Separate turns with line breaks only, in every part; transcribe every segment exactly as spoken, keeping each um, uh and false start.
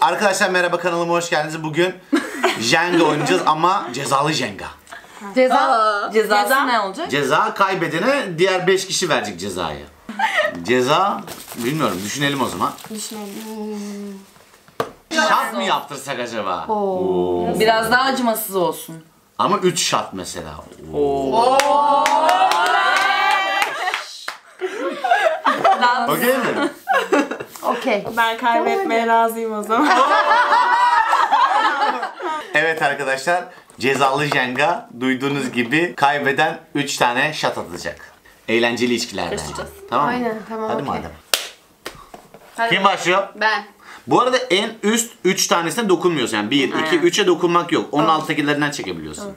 Arkadaşlar merhaba, kanalıma hoş geldiniz. Bugün Jenga oynayacağız ama cezalı Jenga.
Ceza.
Cezası Ceza. ne olacak?
Ceza kaybedene diğer beş kişi verecek cezayı. Ceza bilmiyorum, düşünelim o zaman.
Düşünelim.
Şat mı yaptırsak acaba?
Oo.
Oo.
Biraz daha acımasız olsun.
Ama üç şat mesela.
Oo.
Okey mi?
Okey.
Ben kaybetmeye razıyım o zaman.
Evet arkadaşlar, cezalı Jenga duyduğunuz gibi kaybeden üç tane şat atacak. Eğlenceli içkilerden. Tamam mı?
Aynen, tamam,
Hadi
okey.
madem.
Hadi.
Kim başlıyor?
Ben.
Bu arada en üst üç tanesine dokunmuyorsun. Yani bir, iki, üçe dokunmak yok. Onun alttakilerinden çekebiliyorsun.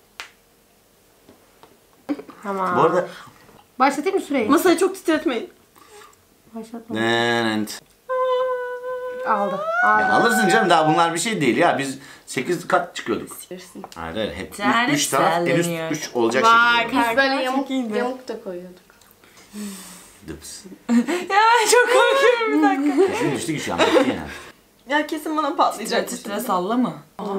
Tamam.
Bu arada...
Başlatayım mı süreyi?
Masayı çok titretmeyin.
Başlatma.
Evet.
Aldı. Aldı.
Ya alırsın canım, daha bunlar bir şey değil ya. Biz sekiz kat çıkıyorduk.
Verirsin.
Hayır hayır, hep
Yani
üç taraf en üst
salleniyor.
üç olacak
Vay,
şekilde.
Biz böyle
Çok
yamuk,
iyiydi.
yamuk da koyuyorduk.
Dıps.
Ya ben çok korkuyorum bir dakika.
Kesin düştü ki şu an. Bitti yani.
Ya kesin bana patlayacak.
Titre titre salla mı?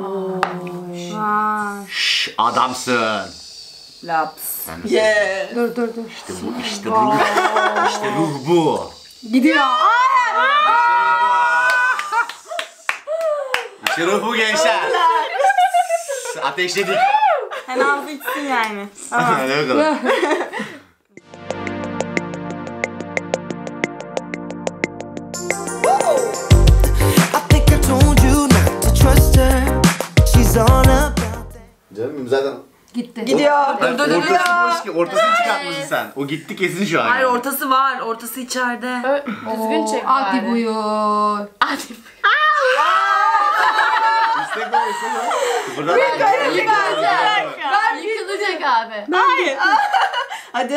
Vay.
Şşş, adamsın.
Laps.
Sen de-
Yeah.
Dur dur dur.
İşte bu, işte bu. İşte ruh bu.
Gidiyor.
İşte ruh bu gençler. Ateşledik.
Sen ağzı içsin yani.
Hadi bakalım.
I think I told you not to trust her. She's all about that.
Canım zaten...
Gitti.
Gidiyor.
Ben
dur, dur,
ortası
dur.
boş ki, ortasını çıkartmışsın sen. O gitti kesin şu an.
Hayır,
yani.
ortası var. Ortası içeride.
Düzgün çek Hadi buyur. Hadi
İstek o, istek o. Buradan
buyur. Ben yıkılacak abi.
Hayır. Hadi.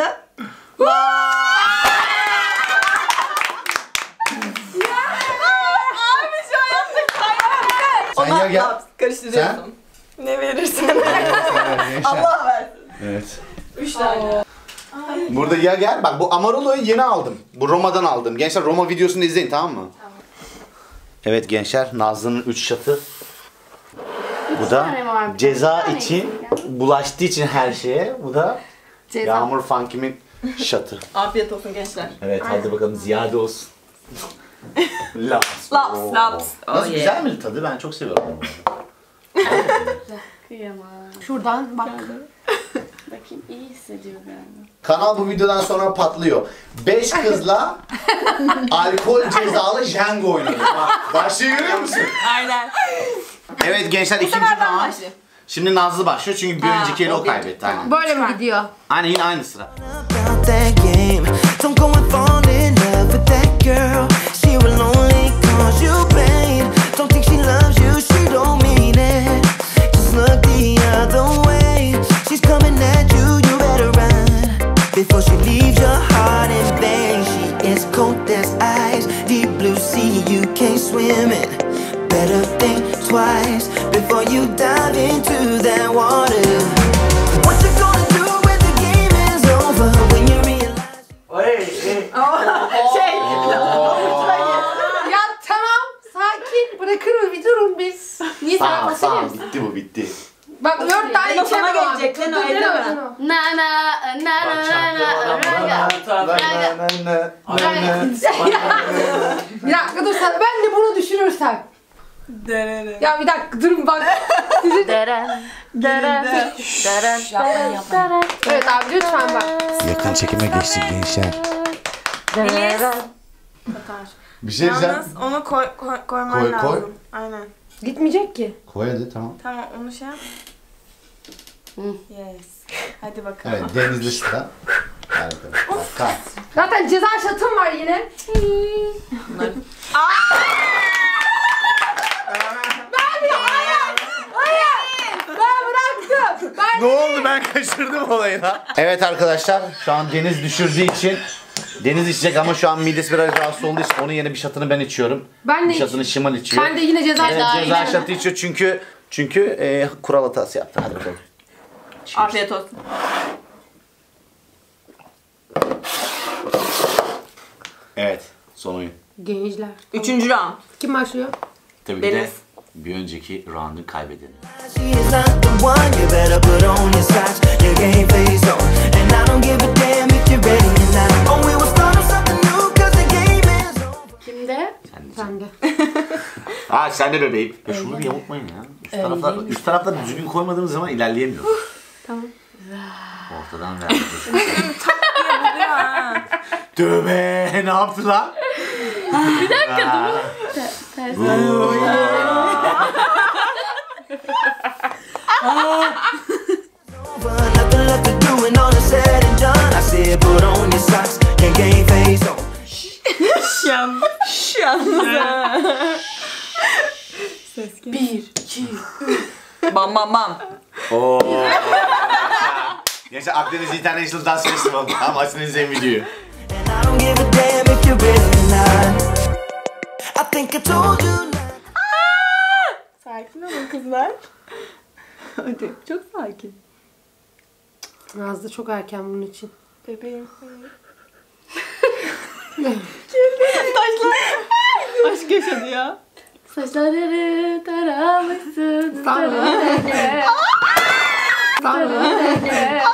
Abi şu an yaptık.
Sen ya gel.
Karıştırıyorsun. Ne verirsen. Allah versin.
Evet.
Üç tane.
Burada ya gel. Bak bu Amarolo'yu yeni aldım. Bu Roma'dan aldım. Gençler Roma videosunu izleyin, tamam mı? Tamam. Evet gençler, Nazlı'nın üç şatı. Bu da
tane var, bir
ceza
tane
için, bulaştığı için her şeye. Bu da
Ceza.
Yağmur Funkim'in şatı.
Afiyet olsun gençler.
Evet, hadi bakalım, ziyade olsun. Laps.
Laps,
Oo.
laps.
Nasıl,
Oh, yeah.
güzel mi tadı? Ben çok seviyorum.
Kıyamam. Şuradan bak.
Bakayım, iyi hissediyor galiba.
Kanal bu videodan sonra patlıyor. Beş kızla alkol cezalı Jenga oynadık. Bak, başlığı görüyor musun?
Aynen.
Evet gençler, ikinci
sefer ben
round.
başlayayım.
Şimdi Nazlı başlıyor çünkü bir önceki eli o kaybetti. Aynen.
Böyle mi gidiyor?
Aynen, yine aynı sıra.
About that game. Don't go and fall in love with that girl. She will only cause you pain. Don't think she loves you, she don't mean it. Just look the other way. She's coming at you, you better run before she leaves your heart in vain. She is cold as ice, deep blue sea you can't swim in. Better think twice before you dive into that water. What you gonna do when the game is over? When you realize
Şey.
Ya tamam. Sakin. Bırakır mı? Bir durun biz. Niye sen
Tamam
masaya
tamam,
mısın?
bitti bu, bitti.
Bak dört tane
Leno sana
içemem abi.
gelecek, Leno,
Dur,
elleme.
Leno.
Na na na na na
Bir dakika dur sen. Ben de bunu düşünürsem.
Derere.
Ya bir dakika durun bak. Sizin...
Deren deren deren
Yapmayın, yapmayın.
Evet abi lütfen bak.
Yakın çekime geçtik gençler. Bir şey diyeceğim.
Yalnız onu koy, koy, koyman
Koy,
lazım.
koy.
Aynen.
Gitmeyecek ki.
Koy hadi, tamam.
Tamam onu şey yap. Yes. Hadi bakalım.
Evet, denizli sıra. Hadi bakalım. Bak, kalk.
Zaten ceza şatım var yine. Ben bıraktım. Ben
Ne oldu, ben kaçırdım olayı lan. Evet arkadaşlar, şu an Deniz düşürdüğü için Deniz içecek ama şu an midesi biraz rahatsız olduğu için onun yerine bir şatını ben içiyorum.
Ben de
Bir şatını Şimal içiyor.
Ben de yine ceza
Evet,
şatı.
ceza şatı içiyor çünkü çünkü e, kural hatası yaptı. Hadi bakalım.
Afiyet olsun.
Evet, son oyun.
Gençler.
Üçüncü round.
Kim başlıyor?
Tabii ki de
Deniz.
bir önceki round'un kaybedeni.
She is not the one. You better put on your socks, your game face on. And I don't give a damn if you're ready or not. Oh, we will start something new, cause the game is over.
Kimde?
Sen de.
Sen de.
Aa sen de bebeğim. Ya şunu bir yamultmayın ya. Üst taraflar, üst taraflar düzgün koymadığımız zaman ilerleyemiyoruz.
Tamam.
Ortadan ver. Tövbe ne yaptı lan?
Bir dakika dur. Ters.
Nothing left to do when all is said and done. I said put on your socks, your game face on.
Şan. Şan. Ses gel.
Bir, iki,
Bam bam bam.
Oo. Gençler Akdeniz International Dance Festival. Tamam açın izleyin videoyu.
And I don't give a damn if you're ready or not. I think I told you.
Sakin olun kızlar.
Hadi çok sakin.
Nazlı çok erken bunun için.
Bebeğim.
Aşk yaşadı ya.
Saçları taramışsın.
Sana. Sana.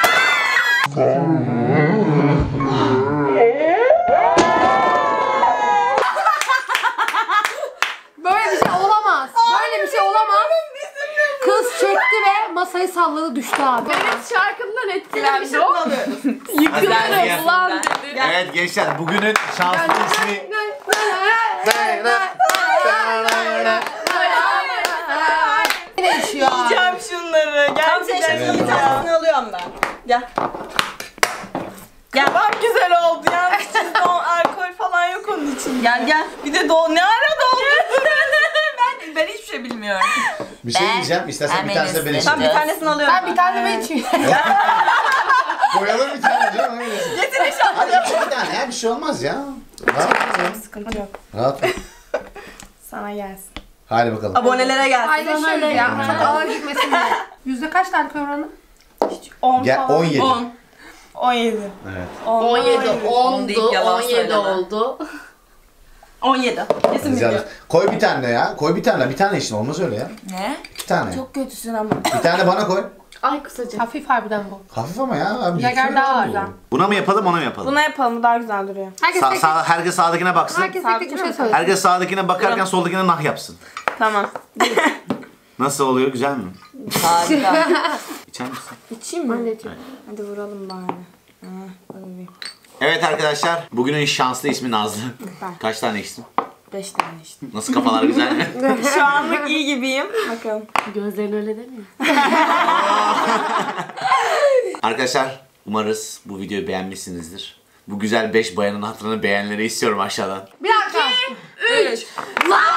Böyle bir şey olamaz. Böyle bir şey olamaz. Kız çekti ve masayı salladı düştü abi.
Evet şarkımdan etkilenmiş o.
Yıkılırım
Ulan dedi.
Evet gençler bugünün şanslı ismi
Ne işiyor abi?
Yiyeceğim şunları. Gerçekten
Bir tanesini alıyorum ben. Gel.
Ya bak güzel oldu ya. İçinde o alkol falan yok onun için.
Gel gel.
Bir de do ne ara doldu?
ben, ben hiçbir şey bilmiyorum.
bir şey
Ben-
diyeceğim. İstersen
ben
bir tanesini ben
Melis'le-
içeyim.
Ben bir tanesini alıyorum.
Ben bir tane ben içeyim.
Koyalım bir tane canım. Getir inşallah. Hadi yap bir tane ya bir şey olmaz ya. Rahat ol.
Sıkıntı yok.
Rahat ol.
Sana gelsin.
Hadi bakalım.
Abonelere gelsin.
Paylaşıyoruz ya. Çok ağır gitmesin diye. Yüzde kaç tane oranı?
on
Gel
falan.
on yedi.
on. on yedi.
Evet.
on yedi
On deyip
oldu.
yalan
on yedi
söyleme.
oldu.
on yedi. Kesin
Rica
biliyor.
ederim. Koy bir tane ya. Koy bir tane. Bir tane için olmaz öyle ya.
Ne?
İki tane.
Çok kötüsün ama.
Bir tane bana koy.
Ay kısaca.
Hafif harbiden bu.
Hafif ama ya. Abi,
Yager daha
olur.
var.
Buna mı yapalım ona mı yapalım?
Buna yapalım, bu daha güzel duruyor.
Herkes
Sa-
tek
sağ- herkes sağdakine baksın.
herkes tek tek bir şey söylesin.
Herkes sağdakine bakarken soldakine nah yapsın.
Tamam.
Nasıl oluyor? Güzel mi?
Harika.
İçer misin?
İçeyim mi?
Anneciğim.
Hadi vuralım bari. Ha, öyle.
Evet arkadaşlar. Bugünün şanslı ismi Nazlı. Kaç tane içtin?
Beş tane işte.
Nasıl kafalar güzel mi?
Şu anlık iyi gibiyim. Bakalım.
Gözlerin öyle demiyor.
Arkadaşlar umarız bu videoyu beğenmişsinizdir. Bu güzel beş bayanın hatırını beğenleri istiyorum aşağıdan.
Bir dakika.
Üç. Lan!